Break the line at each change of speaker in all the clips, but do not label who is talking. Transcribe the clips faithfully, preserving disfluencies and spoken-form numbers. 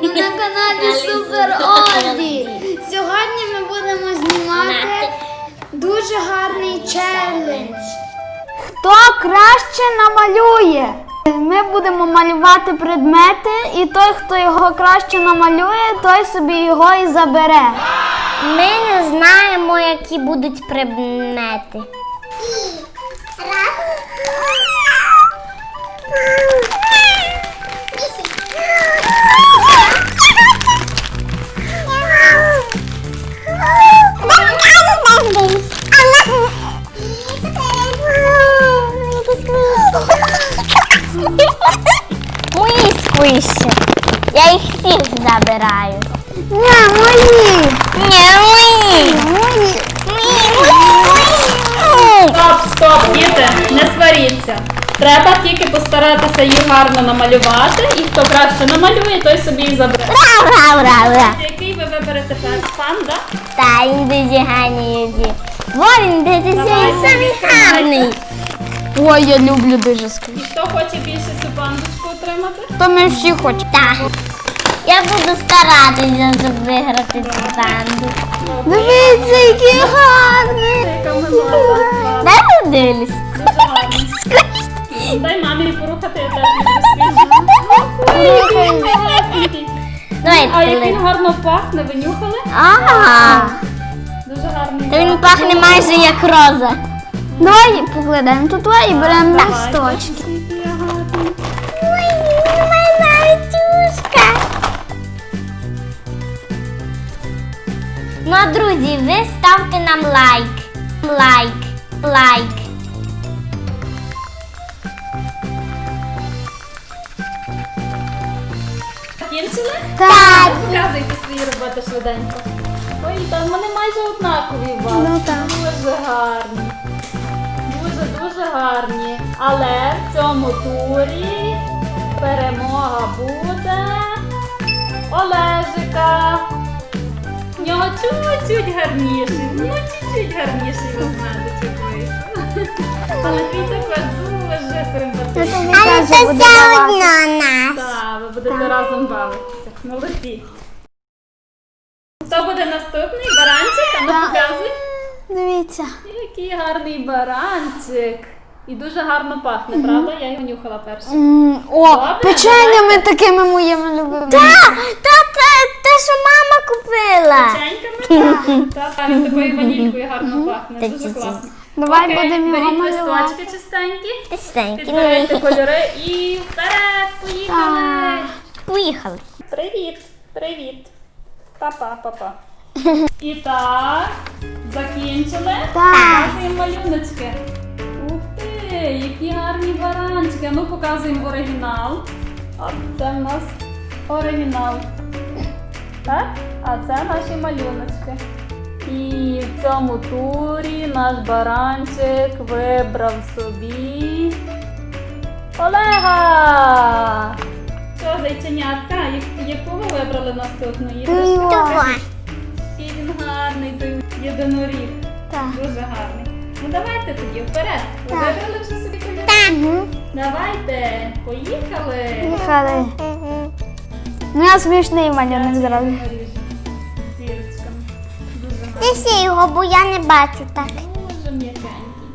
на каналі Супер Оді. Сьогодні ми будемо знімати дуже гарний челендж. Хто краще намалює? Ми будемо малювати предмети, і той, хто його краще намалює, той собі його і забере.
Ми не знаємо, які будуть предмети. Мої сквиші. Я їх всіх забираю.
Не, мої.
Ні, мої.
Мої.
Стоп, стоп, діти, не сваріться. Треба тільки постаратися їх гарно намалювати, і хто краще намалює, той собі і забере.
Ура, ура, ура.
Який ви виберете перший? Панда?
Та, він дуже гарний. Во, він дуже
Давай,
самий
відкривай.
гарний.
Ой, я люблю дуже сквіш.
І хто хоче більше цю пандочку отримати?
То ми всі хочемо.
Так. Я буду старатися, щоб виграти цю банду.
Дивіться, який гарний.
Яка милота.
Дай подивлюсь.
Дуже гарно. Дай мамі порухати, я теж люблю сквіш.
Давай,
А як він
Пилип.
гарно пахне, ви нюхали?
Ага.
Дуже гарний.
Та він
запах.
пахне майже як роза.
Давай покладемо тут і беремо
Давай.
листочки.
Який гарний.
Ой, моя тюшка. Ну, а друзі, ви ставте нам лайк. Лайк. Лайк.
Закінчили?
Так.
Показуйте свої роботи швиденько. Ой, там вони майже однакові у вас.
Ну, так.
Дуже гарні. Дуже-дуже гарні. Але в цьому турі перемога буде Олежика. В нього чуть-чуть гарніший. Ну, чуть-чуть гарніший ведмедичок вийшов. Але твій також дуже симпатичний.
Але це все одно
нас.
Так, ви будете разом бавитися. Молодці. Хто буде наступний? Баранчик? А ну
Так.
показуй.
Дивіться.
Який гарний баранчик. І дуже гарно пахне, правда? Я його нюхала перше.
М, О,
Добре,
печеннями такими моїми любимими.
Та, та, те, що мама купила.
Печеньками? Так, так, він такою ванількою гарно пахне.
Та
Дуже
ці-ці.
класно.
Давай
Окей,
будемо його
беріть
малювати.
листочки чистенькі,
Тестенькі.
підбирайте кольори і вперед, поїхали.
Поїхали.
Привіт, привіт. Папа, папа. І так, закінчили.
Так.
Показуємо малюночки. Ух ти, які гарні баранчики. А ну показуємо оригінал. От це в нас оригінал. Так? А це наші малюночки. І в цьому турі наш баранчик вибрав собі Олега. Що, зайченятка? Я- Яку ви вибрали наступну іграшку?
Два.
І він гарний, той єдиноріг.
Так.
Дуже гарний. Ну давайте тоді вперед. Ви
Так.
вибрали вже собі кольори?
Мгм.
Давайте, поїхали.
Поїхали. Ну, я смішний малюнок зроблю.
Ріжемо зірочками. Дуже гарний.
Неси його, бо я не бачу так.
Дуже м'якенький.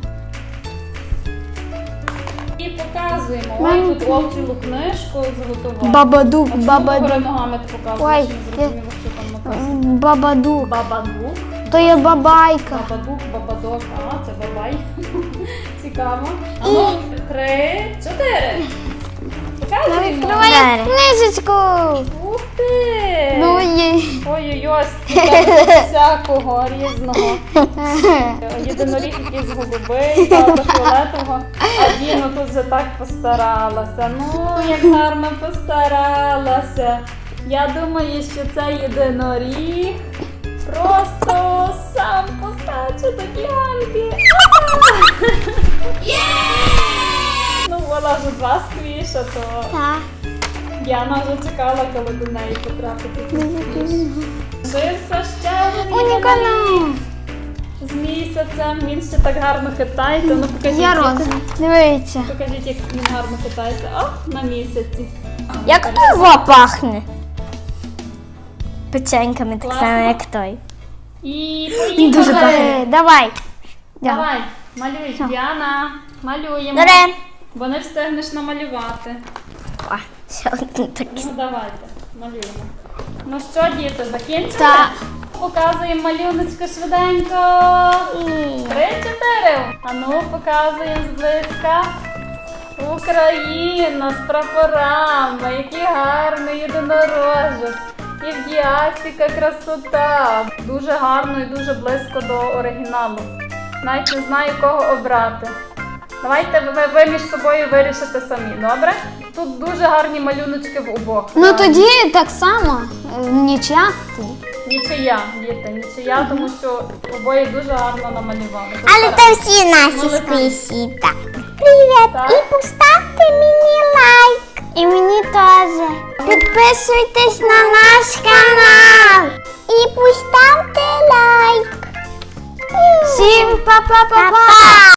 І показуємо.
Мам.
Ой, тут Вов цілу книжку зготував.
Бабадук,
А чому
бабадук.
догори ногами ти показуєш?
Ой,
Не зрозуміло, що там написано.
М, Бабадук.
Бабадук.
То є бабайка.
Бабадук, бабадок, а це бабай. Цікаво. А ну, три, чотири. Показуємо.
Відкривай книжечку.
Ух ти!
Ну є.
Ой-ой-ой, скільки всякого різного. Єдиноріг якийсь голубий, тато фіолетового. А Діна тут вже так постаралася. Ну, як гарно постаралася. Я думаю, що цей єдиноріг просто сам постаче до Діанки. Ну, вона вже два сквіша, то
Так.
Діана вже чекала, коли до неї потрапити. Лишився ще один
Унікально.
з місяцем. Він ще так гарно хитається. Ну покажіть,
Я
як-
роза. Дивіться.
покажіть, як він гарно хитається. О, на місяці.
Як тут во пахне? печеньками, так
Класно.
само, як той.
І
Дуже
поїхали.
добре. Давай.
Давай, малюй, Діана. Малюємо.
Добре.
Бо не встигнеш намалювати.
О, ще один такий.
Ну давайте, малюємо. Ну що, діти, закінчили?
Так.
Показуємо малюночки швиденько. Три-чотири. А ну, показуємо зблизька. Україна з прапорами. Який гарний єдинорожок. І в Діасіка красота. Дуже гарно і дуже близько до оригіналу. Навіть не знаю, кого обрати. Давайте ви, ви між собою вирішите самі, добре? Тут дуже гарні малюночки в обох.
Ну тоді так само. е, Нічия.
Нічия, діти, нічия, тому що обоє дуже гарно намалювали.
Але
Добре.
це всі наші
Молодець.
списі. Привіт!
Так.
І поставте мені лайк.
І мені теж.
Підписуйтесь на наш канал. І поставте лайк.
Всім па-па-па-па!
Па-па!